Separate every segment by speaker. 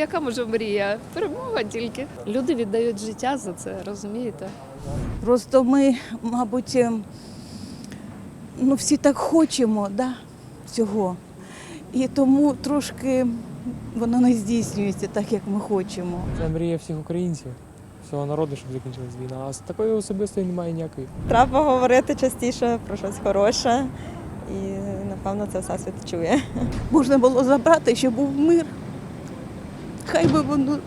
Speaker 1: яка може мрія? Перемога тільки. Люди віддають життя за це, розумієте?
Speaker 2: Просто ми, мабуть, всі так хочемо, цього. І тому трошки воно не здійснюється так, як ми хочемо.
Speaker 3: Це мрія всіх українців, всього народу, щоб закінчилась війна. А з такої особистої немає ніякої.
Speaker 4: Треба говорити частіше про щось хороше, і напевно це все світ чує.
Speaker 2: Можна було забрати, щоб був мир. Хай би воно.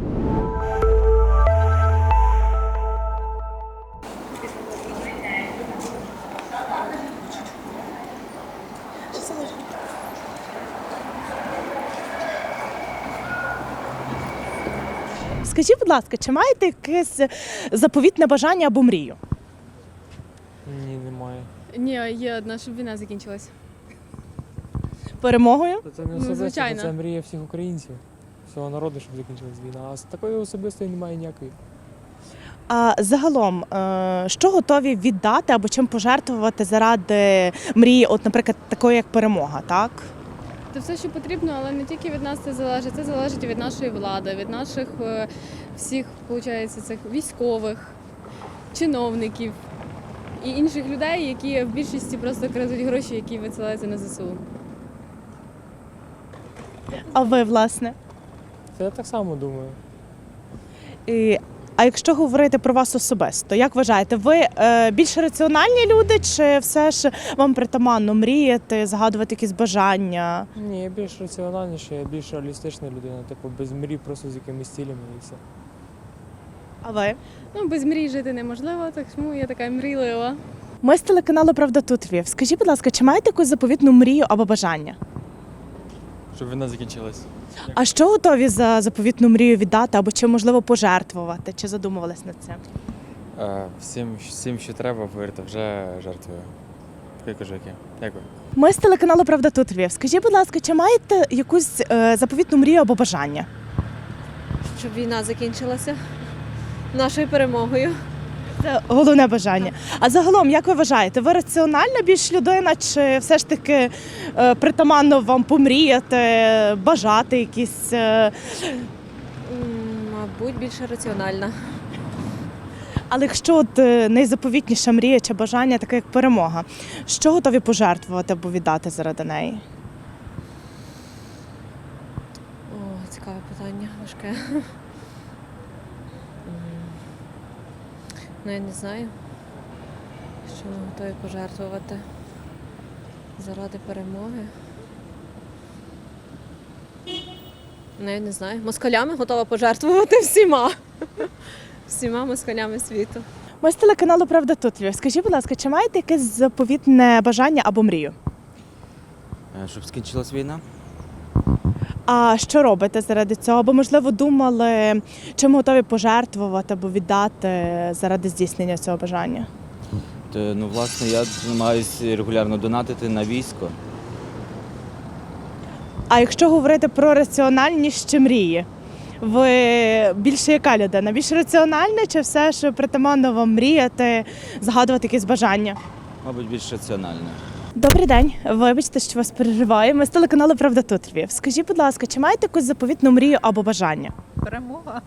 Speaker 5: Скажіть, будь ласка, чи маєте якесь заповітне бажання або мрію?
Speaker 3: Ні, немає.
Speaker 6: Ні, є одна, щоб війна закінчилась.
Speaker 5: Перемогою?
Speaker 3: Це не особисто,
Speaker 6: звичайно.
Speaker 3: це мрія всіх українців, всього народу, щоб закінчилась війна. А з такої особистої немає ніякої.
Speaker 5: А загалом, що готові віддати або чим пожертвувати заради мрії, от, наприклад, такої, як перемога, так?
Speaker 6: Це все, що потрібно, але не тільки від нас це залежить від нашої влади, від наших всіх, виходить, цих військових, чиновників і інших людей, які в більшості просто крадуть гроші, які висилаються на ЗСУ.
Speaker 5: А ви, власне?
Speaker 3: Це я так само думаю.
Speaker 5: А якщо говорити про вас особисто, як вважаєте, ви більш раціональні люди, чи все ж вам притаманно мріяти, загадувати якісь бажання?
Speaker 3: Ні, я більш раціональніший, я більш реалістична людина, типу без мрій, просто з якимись цілями і все.
Speaker 5: А ви?
Speaker 6: Без мрій жити неможливо, так тому я така мрійлива.
Speaker 5: Ми з телеканалу «Правда тут Львів». Скажіть, будь ласка, чи маєте якусь заповітну мрію або бажання?
Speaker 7: Щоб війна закінчилась.
Speaker 5: А що готові за заповітну мрію віддати або чи, можливо, пожертвувати? Чи задумувались над цим?
Speaker 7: Всім, що треба, повірте, вже жертвую. Я кажу, яке. Дякую.
Speaker 5: Ми з телеканалу «Правда тут Львів». Скажіть, будь ласка, чи маєте якусь заповітну мрію або бажання?
Speaker 4: Щоб війна закінчилася нашою перемогою.
Speaker 5: Це головне бажання. А загалом, як ви вважаєте, ви раціональна більш людина, чи все ж таки притаманно вам помріяти, бажати якісь?
Speaker 4: Мабуть, більше раціональна.
Speaker 5: Але якщо от найзаповітніша мрія чи бажання, таке як перемога, що готові пожертвувати або віддати заради неї?
Speaker 4: Цікаве питання, важке. Я не знаю, що ми готові пожертвувати заради перемоги. Я не знаю. Москалями готова пожертвувати всіма. Всіма москалями світу.
Speaker 5: Ми з телеканалу «Правда тут Львів». Скажіть, будь ласка, чи маєте якесь заповітне бажання або мрію?
Speaker 8: Щоб скінчилась війна?
Speaker 5: А що робите заради цього? Або, можливо, думали, чим готові пожертвувати або віддати заради здійснення цього бажання?
Speaker 8: Власне, я намагаюся регулярно донатити на військо.
Speaker 5: А якщо говорити про раціональність чи мрії, ви більше яка людина? Більш раціональна чи все ж притаманно вам мріяти, згадувати якісь бажання?
Speaker 8: Мабуть, більш раціонально.
Speaker 5: Добрий день. Вибачте, що вас перериваю. Ми з телеканалу «Правда тут Львів». Скажіть, будь ласка, чи маєте якусь заповітну мрію або бажання?
Speaker 1: Перемога.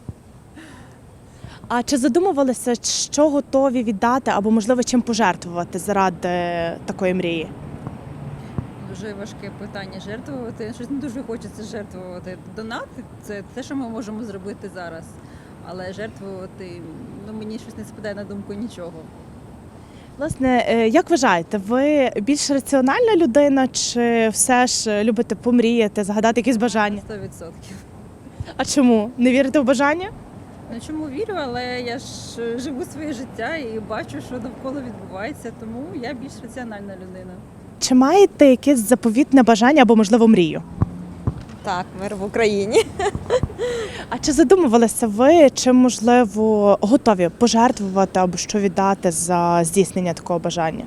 Speaker 5: А чи задумувалися, що готові віддати або, можливо, чим пожертвувати заради такої мрії?
Speaker 9: Дуже важке питання жертвувати. Щось не дуже хочеться жертвувати. Донати – це те, що ми можемо зробити зараз. Але жертвувати, мені щось не спадає на думку нічого.
Speaker 5: Власне, як вважаєте, ви більш раціональна людина чи все ж любите помріяти, згадати якісь бажання?
Speaker 9: 100%.
Speaker 5: А чому? Не вірите в бажання?
Speaker 9: Чому вірю, але я ж живу своє життя і бачу, що навколо відбувається, тому я більш раціональна людина.
Speaker 5: Чи маєте якесь заповітне бажання або, можливо, мрію?
Speaker 4: Так, мир в Україні.
Speaker 5: А чи задумувалися ви, чи, можливо, готові пожертвувати або що віддати за здійснення такого бажання?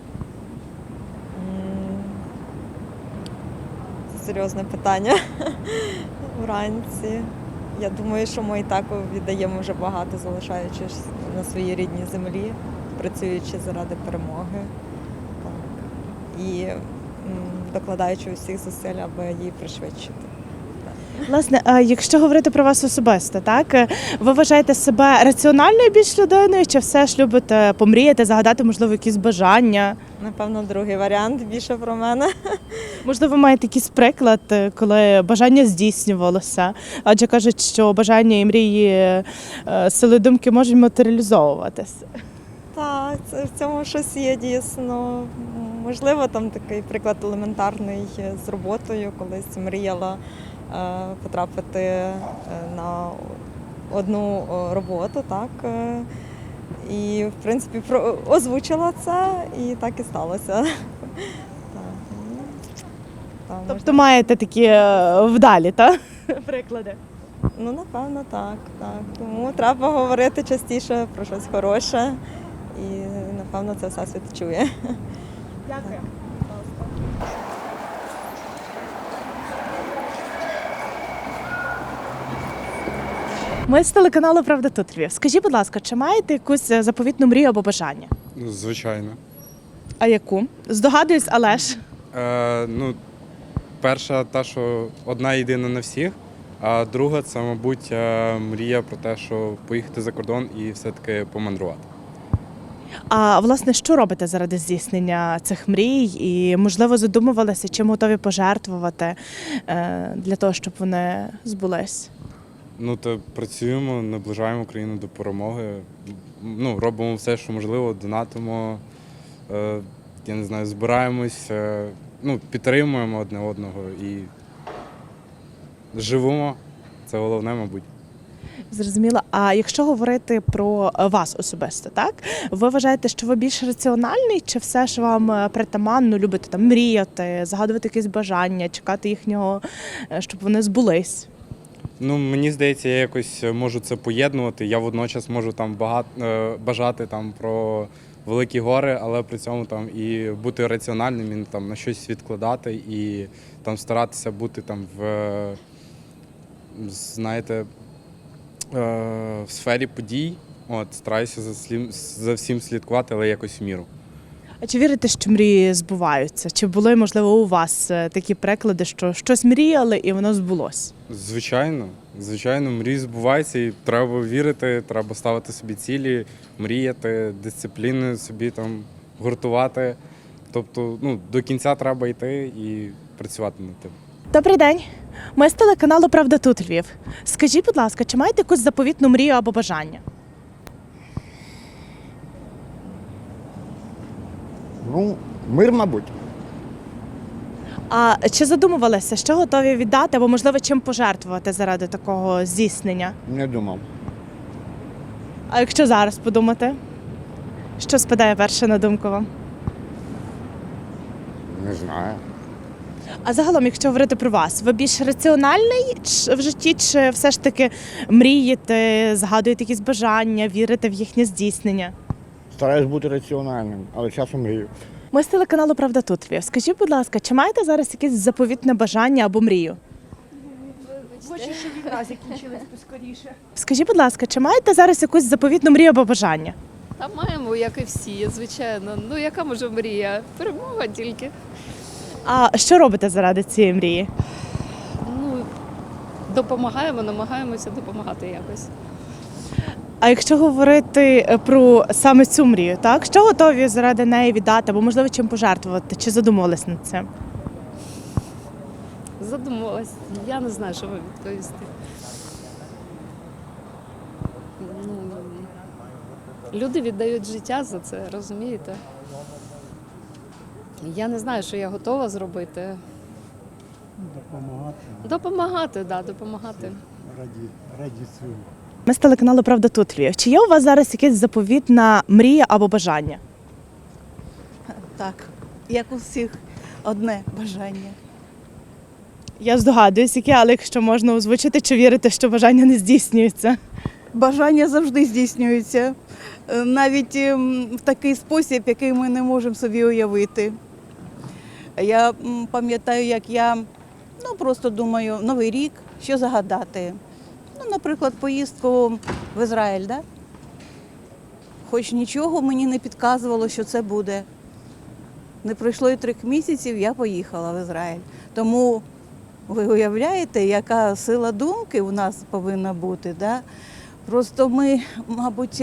Speaker 4: Це серйозне питання. Вранці. Я думаю, що ми і так віддаємо вже багато, залишаючись на своїй рідній землі, працюючи заради перемоги. Так. І докладаючи усіх зусиль, аби її пришвидшити.
Speaker 5: Власне, а якщо говорити про вас особисто, так ви вважаєте себе раціональною більш людиною, чи все ж любите помріяти, загадати, можливо, якісь бажання?
Speaker 4: Напевно, другий варіант більше про мене.
Speaker 5: Можливо, маєте якийсь приклад, коли бажання здійснювалося? Адже кажуть, що бажання і мрії сили думки можуть матеріалізовуватися.
Speaker 4: Так, це в цьому щось є дійсно. Можливо, там такий приклад елементарний з роботою, колись мріяла потрапити на одну роботу, так. І, в принципі, озвучила це, і так і сталося. Так. Так,
Speaker 5: Тобто маєте такі вдалі, так? Приклади.
Speaker 4: ну, напевно, так. Тому треба говорити частіше про щось хороше, і, напевно, це все світ чує.
Speaker 5: Дякую. Ми з телеканалу Правда тут Львів. Скажіть, будь ласка, чи маєте якусь заповітну мрію або бажання?
Speaker 10: Звичайно.
Speaker 5: А яку? Здогадуюсь, але ж.
Speaker 10: Ну, перша та, що одна єдина на всіх, а друга це, мабуть, мрія про те, що поїхати за кордон і все-таки помандрувати.
Speaker 5: А власне, що робите заради здійснення цих мрій? І, можливо, задумувалися, чим готові пожертвувати для того, щоб вони збулись?
Speaker 10: Ну, то працюємо, наближаємо країну до перемоги. Ну, робимо все, що можливо, донатимо, я не знаю, збираємось, ну, підтримуємо одне одного і живемо. Це головне, мабуть.
Speaker 5: Зрозуміло. А якщо говорити про вас особисто, так? Ви вважаєте, що ви більш раціональний, чи все ж вам притаманно, любите там мріяти, загадувати якісь бажання, чекати їхнього, щоб вони збулись?
Speaker 10: Ну, мені здається, я якось можу це поєднувати. Я водночас можу там бажати там про великі гори, але при цьому там і бути раціональним, і там на щось відкладати і там старатися бути там знаєте, в сфері подій. От, стараюся за всім слідкувати, але якось в міру.
Speaker 5: А чи вірите, що мрії збуваються? Чи були, можливо, у вас такі приклади, що щось мріяли і воно збулось?
Speaker 10: Звичайно, мрії збуваються і треба вірити, треба ставити собі цілі, мріяти, дисципліни собі там гуртувати. Тобто, ну, до кінця треба йти і працювати над тим.
Speaker 5: Добрий день. Ми з телеканалу Правда тут Львів. Скажіть, будь ласка, чи маєте якусь заповітну мрію або бажання?
Speaker 11: Ну, мир, мабуть.
Speaker 5: А чи задумувалися, що готові віддати або, можливо, чим пожертвувати заради такого здійснення?
Speaker 11: Не думав.
Speaker 5: А якщо зараз подумати, що спадає перше на думку вам?
Speaker 11: Не знаю.
Speaker 5: А загалом, якщо говорити про вас, ви більш раціональний в житті, чи все ж таки мрієте, згадуєте якісь бажання, вірите в їхнє здійснення?
Speaker 11: Стараюсь бути раціональним, але часом мрію.
Speaker 5: Ми з телеканалу Правда тут Львів. Скажіть, будь ласка, чи маєте зараз якесь заповітне бажання або мрію?
Speaker 2: Хочу, щоб війна закінчилась поскоріше.
Speaker 5: Скажіть, будь ласка, чи маєте зараз якусь заповітну мрію або бажання?
Speaker 1: Та маємо, як і всі, звичайно. Ну, яка може мрія? Перемога тільки.
Speaker 5: А що робите заради цієї мрії?
Speaker 1: Ну, допомагаємо, намагаємося допомагати якось.
Speaker 5: А якщо говорити про саме цю мрію, так? Що готові заради неї віддати, або, можливо, чим пожертвувати? Чи задумувались над цим?
Speaker 1: Задумалась. Я не знаю, що вам відповісти. Ну, люди віддають життя за це, розумієте? Я не знаю, що я готова зробити. Допомагати, так, да, допомагати.
Speaker 11: Раді цього.
Speaker 5: Ми з телеканалу Правда тут Львів. Чи є у вас зараз якась заповітна мрія або бажання?
Speaker 2: Так, як у всіх, одне бажання.
Speaker 5: Я здогадуюсь, яке, але якщо можна озвучити, чи вірите, що бажання не здійснюється?
Speaker 2: Бажання завжди здійснюються, навіть в такий спосіб, який ми не можемо собі уявити. Я пам'ятаю, як я просто думаю, Новий рік, що загадати. Ну, наприклад, поїздку в Ізраїль, да? Хоч нічого мені не підказувало, що це буде. Не пройшло і 3 місяців, я поїхала в Ізраїль. Тому Ви уявляєте, яка сила думки у нас повинна бути, да? Просто ми, мабуть,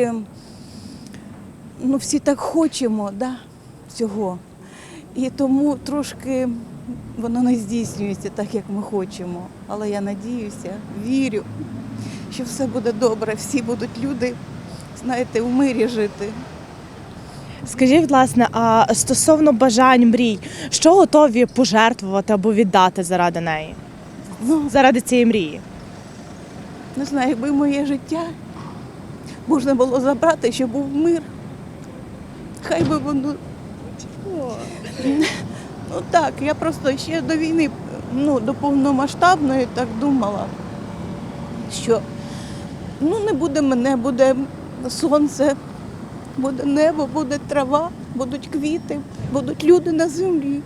Speaker 2: всі так хочемо, да, цього. І тому трошки воно не здійснюється так, як ми хочемо. Але я надіюся, вірю, що все буде добре, всі будуть люди, знаєте, у мирі жити.
Speaker 5: Скажіть, власне, а стосовно бажань, мрій, що готові пожертвувати або віддати заради неї? Заради цієї мрії?
Speaker 2: Не знаю, якби моє життя можна було забрати, щоб був мир. Хай би воно. Ну так, я просто ще до війни, до повномасштабної так думала, що не буде мене, буде сонце, буде небо, буде трава, будуть квіти, будуть люди на землі.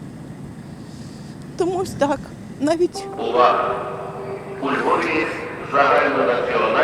Speaker 2: Тому ось так, навіть.
Speaker 12: Увага! У Львові загальнонаціональна